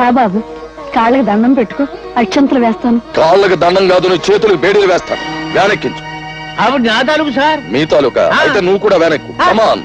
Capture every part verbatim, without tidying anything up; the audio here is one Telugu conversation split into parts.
బాబు, కాళ్ళకి దండం పెట్టుకో, అక్షంతలు వేస్తాను. కాళ్ళకి దండం కాదు, నువ్వు చేతులకు బేడీలు వేస్తాను. వెనక్కించు. ఆవిడ నా తాలూకు సార్. మీ తాలూకా అయితే నువ్వు కూడా వెనక్కు. కమాన్.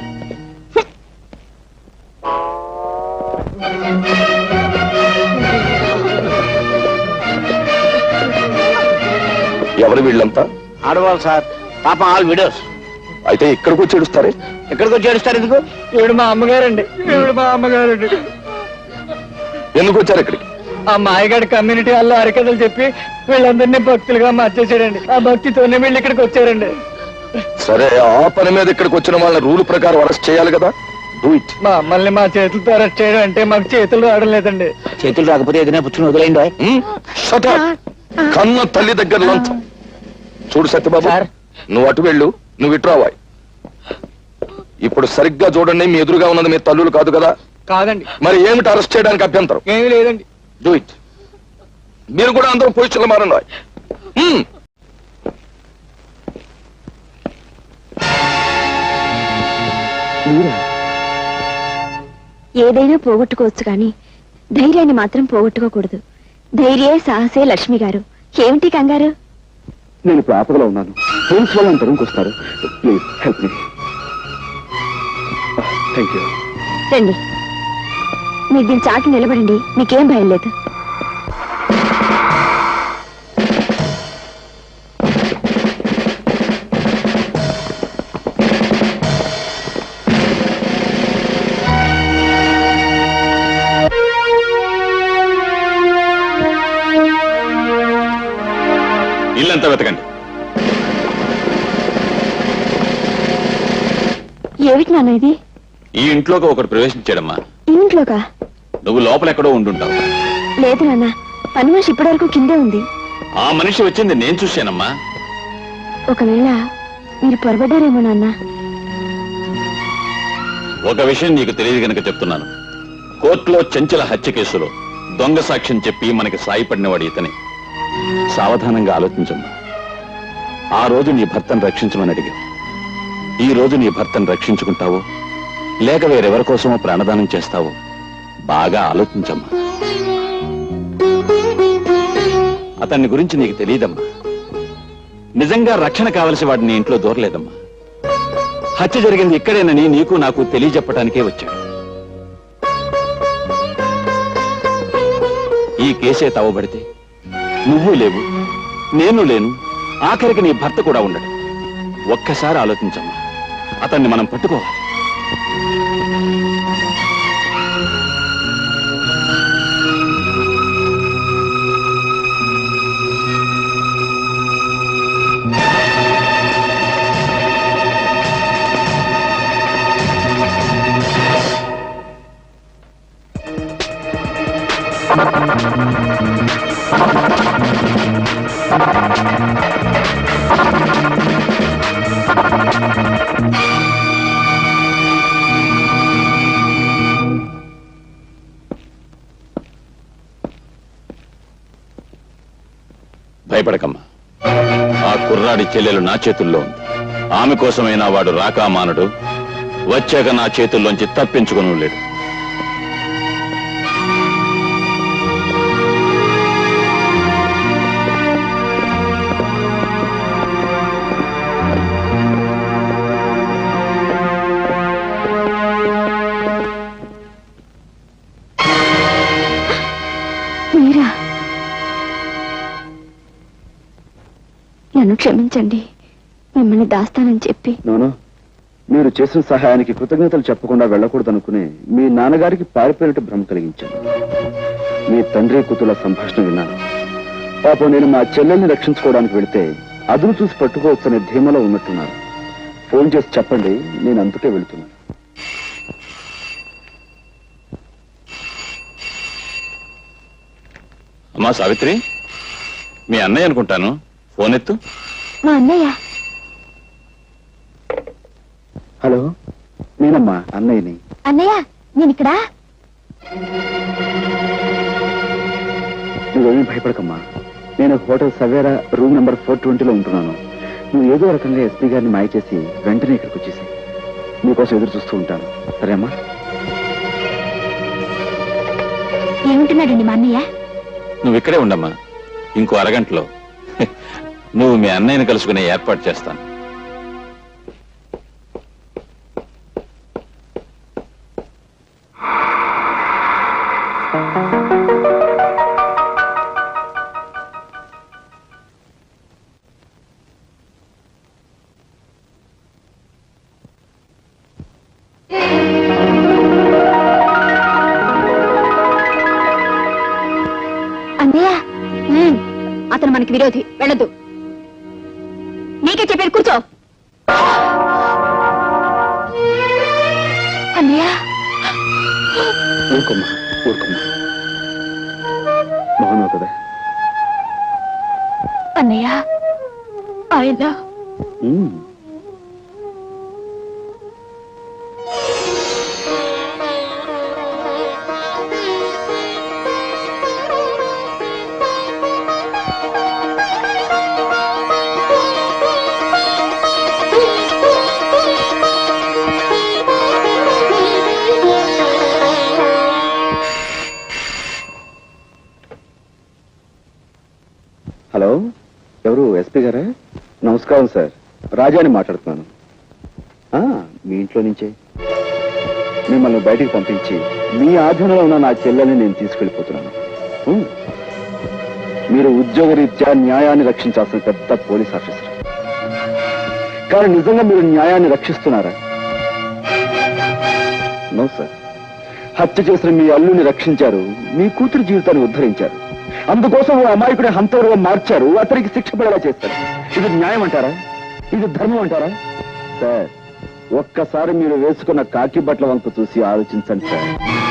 ఎవరు వీళ్ళంతా? ఆడవాళ్ళు సార్, పాపం ఆల్ విడోస్. అయితే ఇక్కడికి వచ్చి ఏడుస్తారే? ఎక్కడికి వచ్చి ఏడుస్తారు ఎందుకు? ఈవిడ మా అమ్మగారండి. ఈవిడ మా అమ్మగారండి. ఎందుకు వచ్చారు ఇక్కడికి? ఆ మాయగాడి కమ్యూనిటీ వాళ్ళు అరికథలు చెప్పి వీళ్ళందరినీ భక్తులుగా మార్చేసాడండి. ఆ భక్తితోనే వీళ్ళు ఇక్కడికి వచ్చారండి. సరే, ఆ పని మీద ఇక్కడికి వచ్చిన వాళ్ళ రూల్ ప్రకారం అరెస్ట్ చేయాలి కదా. Do it. మా అమ్మల్ని మా చేతులతో అరెస్ట్ చేయడం అంటే మాకు చేతులు రావడం లేదండి. చేతులు రాకపోతే ఏదైనా పుచ్చుకుని వదిలేయండి. Shut up. కన్న తల్లి దగ్గర లంచం. చూడు సత్యబాబు, నువ్వు అటు వెళ్ళు, నువ్వు ఇటు రావాయి. ఇప్పుడు సరిగ్గా చూడండి, మీ ఎదురుగా ఉన్నది మీ తల్లులు కాదు కదా? కాదండి. మరి ఏమిటి అరెస్ట్ చేయడానికి అభ్యంతరం? ఏమీ లేదండి. Do it. మీరు కూడా అందరూ పొజిషన్లో మారండి. ఏదైనా పోగొట్టుకోవచ్చు కానీ ధైర్యాన్ని మాత్రం పోగొట్టుకోకూడదు. ధైర్యే సాహసే లక్ష్మి గారు. ఏమిటి కంగారు? నేను ఇప్పుడు ఆపదలో ఉన్నాను. పోలీస్ వాళ్ళు అంతరంకి వస్తారు. Please help me. Thank you. రండి, మీరు దీని చాకి నిలబడండి, మీకేం భయం లేదు. ఇల్లంతా వెతకండి. ఏమిటి నాన్న ఇది? ఈ ఇంట్లోకి ఒకటి ప్రవేశించాడమ్మా. ఈ ఇంట్లోకా? నువ్వు లోపల ఎక్కడో ఉండుంటావు. లేదు నాన్న, పని మనిషి ఇప్పటి వరకు కిందే ఉంది. ఆ మనిషి వచ్చింది నేను చూశానమ్మా. ఒకవేళ మీరు పొరబడ్డారేమో నాన్న. ఒక విషయం నీకు తెలియదు గనక చెప్తున్నాను. కోర్టులో చెంచల హత్య కేసులో దొంగ సాక్ష్యం చెప్పి మనకి సాయపడినవాడు ఇతనే. సావధానంగా ఆలోచించమ్మా. ఆ రోజు నీ భర్తను రక్షించమని అడిగావు. ఈ రోజు నీ భర్తను రక్షించుకుంటావో లేక వేరెవరి కోసమో ప్రాణదానం చేస్తావో బాగా ఆలోచించమ్మా. అతన్ని గురించి నీకు తెలియదమ్మా. నిజంగా రక్షణ కావలసి వాడిని నీ ఇంట్లో దూరలేదమ్మా. హత్య జరిగింది ఇక్కడేనని నీకు నాకు తెలియజెప్పడానికే వచ్చాడు. ఈ కేసే తవ్వబడితే నువ్వు లేవు, నేను లేను, ఆఖరికి నీ భర్త కూడా ఉండడు. ఒక్కసారి ఆలోచించమ్మా. అతన్ని మనం పట్టుకోవాలి. భయపడకమ్మా. ఆ కుర్రాడి చెల్లెలు నా చేతుల్లో ఉంది. ఆమె కోసమైనా వాడు రాకామానుడు. వచ్చాక నా చేతుల్లోంచి తప్పించుకుని లేడు. మీరా? నన్ను క్షమించండి, మిమ్మల్ని దాస్తానని చెప్పి. నోను, మీరు చేసిన సహాయానికి కృతజ్ఞతలు చెప్పకుండా వెళ్ళకూడదనుకుని మీ నాన్నగారికి పారిపోయినట్టు భ్రమ కలిగించాను. మీ తండ్రి కూతుల సంభాషణ విన్నాను. పాపం నేను మా చెల్లెల్ని రక్షించుకోవడానికి వెళితే అదును చూసి పట్టుకోవచ్చనే ధీమలో ఉన్నట్టున్నారు. ఫోన్ చేసి చెప్పండి, నేను అందుకే వెళుతున్నాను. అమ్మా సావిత్రి, మీ అన్నయ్య అనుకుంటాను. ఫోన్ ఎత్తు. మా అన్నయ్య. హలో, నేనమ్మా అన్నయ్యని. అన్నయ్య, నేను ఇక్కడ. నువ్వేమీ భయపడకమ్మా. నేను hotel Savera room number four ట్వంటీలో ఉంటున్నాను. నువ్వు ఏదో రకంగా ఎస్పీ గారిని మాయ చేసి వెంటనే ఇక్కడికి వచ్చేసి నీకోసం ఎదురు చూస్తూ ఉంటాను. సరేమ్మా? ఏమంటున్నాడండి మా అన్నయ్య? నువ్వు ఇక్కడే ఉండమ్మా. ఇంకో అరగంటలో నువ్వు మీ అన్నయ్యని కలుసుకునే ఏర్పాటు చేస్తాను. అన్నయ్య, ఉమ్, అతను మనకి విరోధి, వెళ్ళదు. నీకే చెప్పారు, కూర్చో. అన్నయ్య, ఊరుకోమ్మా ఊరుకోమ్మా, బాగున్నావు కదా? అన్నయ్య, ఆయన ఉమ్. హలో, ఎవరు? ఎస్పీ గారా? నమస్కారం సార్, రాజాని మాట్లాడుతున్నాను. ఆ, మీ ఇంట్లో నుంచే మిమ్మల్ని బయటికి పంపించి మీ ఆధీనంలో ఉన్న నా చెల్లెల్ని నేను తీసుకెళ్ళిపోతున్నాను. ఉమ్. మీరు ఉద్యోగరీత్యా న్యాయాన్ని రక్షించాల్సిన పెద్ద పోలీస్ ఆఫీసర్, కానీ నిజంగా మీరు న్యాయాన్ని రక్షిస్తున్నారా? No sir. హత్య చేసిన మీ అల్లుని రక్షించారు, మీ కూతురు జీవితాన్ని ఉద్ధరించారు. అందుకోసం ఓ అమాయకుడి హంతకుడుగా మార్చారు, అతనికి శిక్ష పడేలా చేస్తారు. ఇది న్యాయం అంటారా? ఇది ధర్మం అంటారా? సార్, ఒక్కసారి మీరు వేసుకున్న కాకి బట్టల వంక చూసి ఆలోచించండి సార్.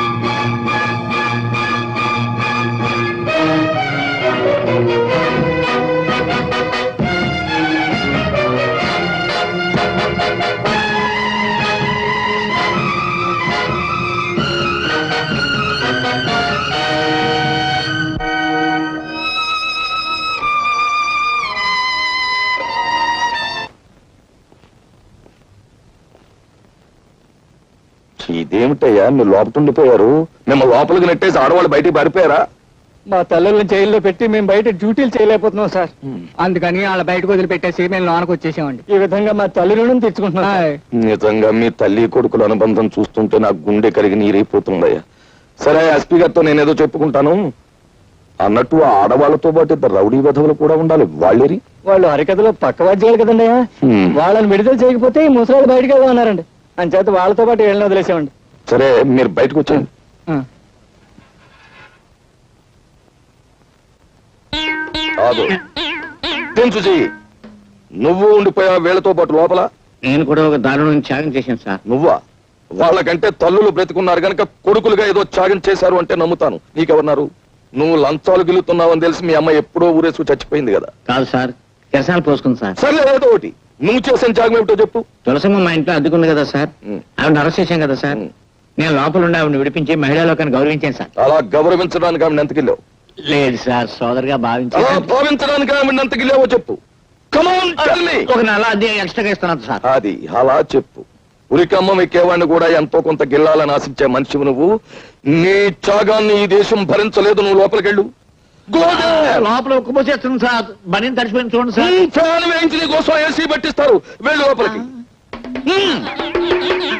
ఇదేమిటయ్యా, మీరు లోపల ఉండిపోయారు? మేము లోపలికి నెట్టేసి ఆడవాళ్ళు బయటికి పారిపోయారా? మా తల్లుల్ని జైల్లో పెట్టి మేము బయట డ్యూటీలు చేయలేకపోతున్నాం సార్. అందుకని వాళ్ళ బయటకు వదిలిపెట్టేసి మేము లోనకు వచ్చేసామండి. ఈ విధంగా మా తల్లులను తెచ్చుకుంటున్నాం. నిజంగా మీ తల్లి కొడుకుల అనుబంధం చూస్తుంటే నాకు గుండె కరిగి నీరైపోతుందయ్యా. సరే, ఎస్పీ గారితో నేనేదో చెప్పుకుంటాను. అన్నట్టు ఆ ఆడవాళ్లతో పాటు ఇద్దరు రౌడీ విధవులు కూడా ఉండాలి. వాళ్ళేరి వాళ్ళు హరికథలో పక్క వాద్యాలు కదండి. వాళ్ళని విడుదల చేయకపోతే ఈ ముసలాళ్ళు బయటకు వెళ్దాం అన్నారండి. అంచేత వాళ్ళతో పాటు వెళ్ళిన వదిలేసామండి. సరే, మీరు బయటకు వచ్చాను. చెయ్యి, నువ్వు ఉండిపోయా వీళ్ళతో పాటు లోపల? నేను కూడా ఒక దారుణం త్యాగం చేశాను సార్. నువ్వా? వాళ్ళకంటే తల్లులు బ్రతికున్నారు గనక కొడుకులుగా ఏదో త్యాగం చేశారు అంటే నమ్ముతాను. నీకెవరున్నారు? నువ్వు లంచాలు గిలుతున్నావని తెలిసి మీ అమ్మ ఎప్పుడో ఊరేసుకు చచ్చిపోయింది కదా. కాదు సార్, కెరసాలు పోసుకుంది సార్. సర్లే, ఏదో ఒకటి. నువ్వు చేసిన త్యాగం ఏమిటో చెప్పు. తులసమ్మ మా ఇంట్లో అడ్డుకుంది కదా సార్, ఆవిడ అరెస్ట్ చేశాం కదా సార్. నేను లోపల ఉండి ఆవిడని విడిపించి మహిళా లోకాన్ని గౌరవించాను సార్. అలా గౌరవించడానికి ఆవిడ ఎంతకిల్లావు? లేదు సార్, సోదరుగా అలా భావించాను. భావించడానికి ఆవిడ ఎంతకిల్లావో చెప్పు. Come on, tell me. ఒక నెల అద్దె ఎక్స్ట్రాగా ఇస్తున్నాను సార్. అది అలా చెప్పు. ఉరికమ్మ ఎక్కేవాడిని కూడా ఎంతో కొంత గిల్లాలని ఆశించే మనిషివి నువ్వు. నీ త్యాగాన్ని ఈ దేశం భరించలేదు. నువ్వు లోపలికెళ్ళు. లోపల ఉక్కుపోసేస్తుంది సార్, బనీని తడిచిపోయింది చూడండి సార్. ఫ్యాన్ వేయించి నీ కోసం ఏసీ పట్టిస్తారు. వెళ్ళు లోపలికి.